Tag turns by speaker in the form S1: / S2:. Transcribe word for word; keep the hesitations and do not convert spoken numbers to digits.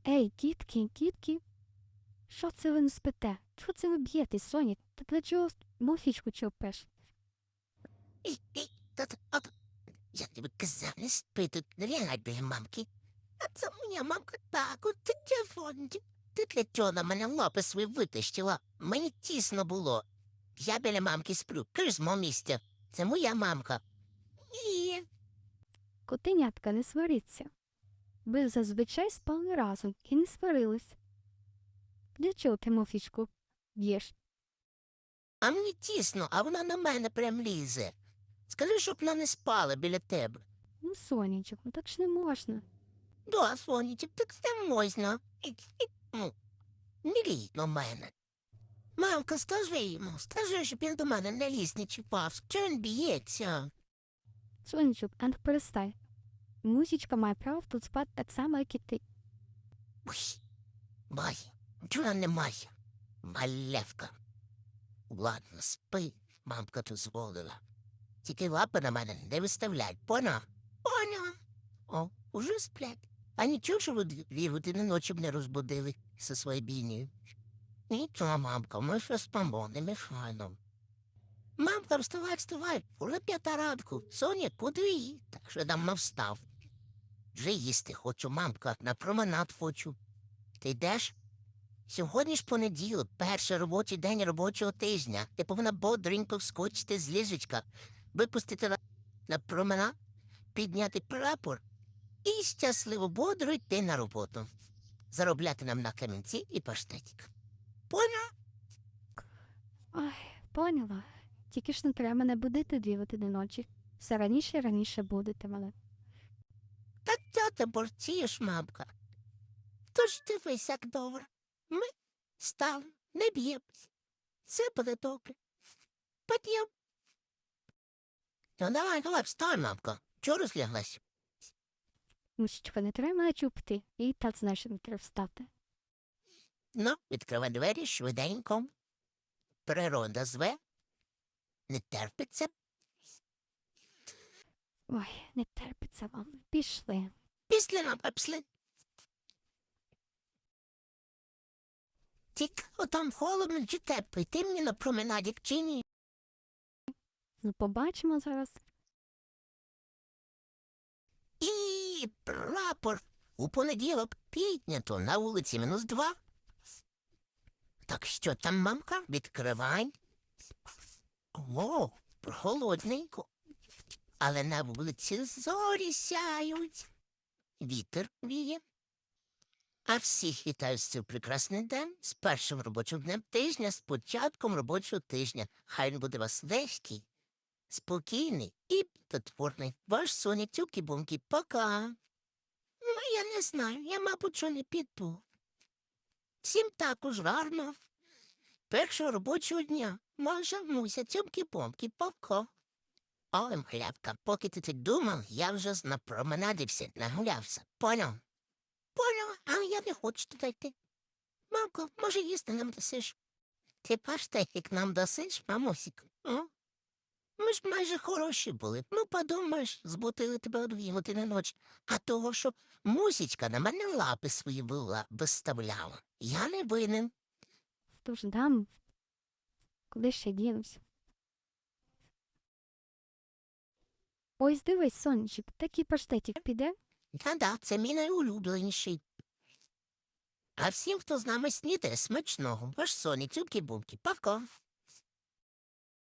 S1: Ей, дітки, дітки, що це ви не спите? Чого це ви б'єтесь, Соні? Та для чого муфічку чопиш?
S2: І, і, тат, от, я тобі казав, не спи тут, не лягай біля мамки. А це моя мамка так, от ти телефон. Ти для чого на мене лапи свої витащила? Мені тісно було. Я біля мамки сплю, кажи з мого місця. Це моя мамка. Ні.
S1: Котенятка, не сваріться. Ви зазвичай спали разом і не сварились. Для чого ти муфічку б'єш?
S2: А мені тісно, а вона на мене прям лізе. Скажи, щоб вона не спала біля тебе.
S1: Ну, Сонечок, ну так ж не можна.
S2: Да, сонечок, так це можна. І- і- ну, Не лізь на мене. Мамка, скажи йому, скажи, щоб він до мене не ліз, не чіпав. Чого він б'ється?
S1: Сонечок, а ну перестань. Мусічка має право тут спати так само, як і ти.
S2: Ой, має. Чого немає? Малевка. Ладно, спи, мамка дозволила. Тільки лапи на мене не виставляй, поняв? Поняв. О, уже сплять. А нічого, що ви дві години ночі мене розбудили зі своєю бійнею. Нічого, мамка, ми ще спимо, не мішайно. Мамка, вставай, вставай, уже п'ята ранку. Соня, куди? Так що давно встав. Вже їсти хочу, мамка, на променад хочу. Ти йдеш? Сьогодні ж понеділок, перший робочий день робочого тижня. Ти повинна бодренько вскочити з ліжечка, випустити на, на променад, підняти прапор і щасливо бодро йти на роботу. Заробляти нам на камінці і паштетик. Поняв?
S1: Ой, поняла. Тільки ж не треба мене будити дві години ночі. Все раніше і раніше будете мене.
S2: Та чого ти борцієш, мамка? Тож дивись, як добре. Ми стали, не б'ємось. Все буде добре. Під'єм. Ну давай, давай, встань, мамка. Чого розляглась?
S1: Мусічка, не треба мене чупити. І так знаєш, що не треба встати.
S2: Ну, відкривай двері швиденько. Природа зве. Не терпиться.
S1: Ой, не терпиться вам. Пішли.
S2: Після нам пепсли. Тільки отам холодно чи тепло, ти мені на променаді чи ні?
S1: Ну, побачимо зараз.
S2: І прапор у понеділок піднято на вулиці мінус два. Так що там, мамка, відкривай. О, прохолодненько. Але на вулиці зорі сяють. Вітер віє. А всіх вітаю з цим прекрасний день, з першим робочим днем тижня, з початком робочого тижня. Хай він буде у вас легкий, спокійний і плодотворний. Ваш Соня Тюкі-Бумкі. Пока. Ну, я не знаю, я, мабуть, що не піду. Всім також гарно. Першого робочого дня. Може, Муся, Тюмкі-Бумкі. Пока. Ой, мглявка, поки ти тут думав, я вже на променаді все нагулявся. Поняв? Поняв, а я не хочу туди йти. Мамко, може, їсти нам дасиш? Ти паштетик нам дасиш, мамусік? О? Ми ж майже хороші були. Ну, подумаєш, збутили тебе о дві години ночі. А того, що мусічка на мене лапи свої була, виставляла. Я не винен.
S1: Тож дам. Куди ще дінусь? Ось дивись, сонечок, такий паштетик піде.
S2: Та-да, це мій найулюбленіший. А всім, хто з нами снідає, смачного. Ваш Соні, Тюкі-Бумкі. Пока.